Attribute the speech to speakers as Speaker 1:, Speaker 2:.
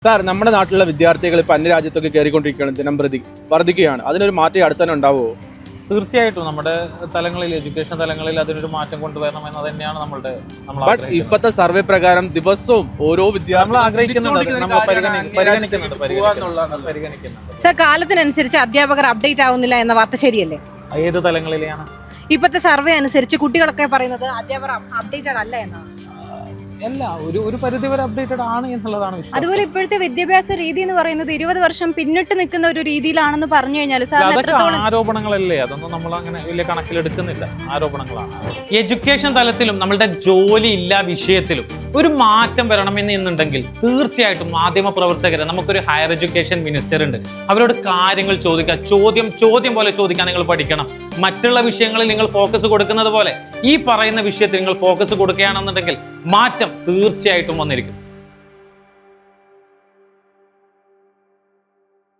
Speaker 1: Sir, നമ്മുടെ നാട്ടിലുള്ള വിദ്യാർത്ഥികൾ ഇപ്പൊ അന്യരാജ്യത്തൊക്കെ കയറിക്കൊണ്ടിരിക്കുകയാണ്, ദിനം പ്രതി വർദ്ധിക്കുകയാണ്. അതിനൊരു മാറ്റം അടുത്ത് തന്നെ ഉണ്ടാവുമോ?
Speaker 2: തീർച്ചയായിട്ടും നമ്മുടെ തലങ്ങളിൽ, എഡ്യൂക്കേഷൻ തലങ്ങളിൽ അതിനൊരു മാറ്റം കൊണ്ടുവരണം എന്ന് തന്നെയാണ്
Speaker 1: ബട്ട് ഇപ്പോഴത്തെ സർവേ പ്രകാരം ദിവസവും ഓരോ
Speaker 3: സർ, കാലത്തിനനുസരിച്ച് അധ്യാപകർ അപ്ഡേറ്റ് ആവുന്നില്ല എന്ന വാർത്ത ശരിയല്ലേ?
Speaker 2: ഏത് തലങ്ങളിലെയാണ്?
Speaker 3: ഇപ്പോഴത്തെ സർവേ അനുസരിച്ച് കുട്ടികളൊക്കെ പറയുന്നത് അധ്യാപകർ അപ്ഡേറ്റഡ് അല്ല എന്നാണ്.
Speaker 2: അല്ല, ഒരു പരിധി വരെ അപ്ഡേറ്റഡ് ആണ് എന്നുള്ളതാണ് വിശ്വാസം.
Speaker 4: അതുപോലെ ഇപ്പോഴത്തെ വിദ്യാഭ്യാസ രീതി എന്ന് പറയുന്നത് 20 വർഷം പിന്നിട്ട് നിൽക്കുന്ന ഒരു രീതിയിലാണെന്ന് പറഞ്ഞു കഴിഞ്ഞാൽ
Speaker 2: അതൊക്കെ ആരോപണങ്ങളല്ലേ, അതൊന്നും നമ്മൾ അങ്ങനെ വലിയ കണക്കിലെടുക്കുന്നില്ല. ആരോപണങ്ങളാണ്. എഡ്യൂക്കേഷൻ തലത്തിലും നമ്മളുടെ ജോലി ഇല്ലാ വിഷയത്തിലും ഒരു മാറ്റം വരണമെന്നുണ്ടെങ്കിൽ തീർച്ചയായിട്ടും മാധ്യമ പ്രവർത്തകരെ, നമുക്കൊരു ഹയർ എഡ്യൂക്കേഷൻ മിനിസ്റ്റർ ഉണ്ട്, അവരോട് കാര്യങ്ങൾ ചോദിക്കുക. ചോദ്യം പോലെ ചോദിക്കാൻ നിങ്ങൾ പഠിക്കണം. മറ്റുള്ള വിഷയങ്ങളിൽ നിങ്ങൾ ഫോക്കസ് കൊടുക്കുന്നത് പോലെ ഈ പറയുന്ന വിഷയത്തിൽ നിങ്ങൾ ഫോക്കസ് കൊടുക്കുകയാണെന്നുണ്ടെങ്കിൽ മാറ്റം തീർച്ചയായിട്ടും വന്നിരിക്കും.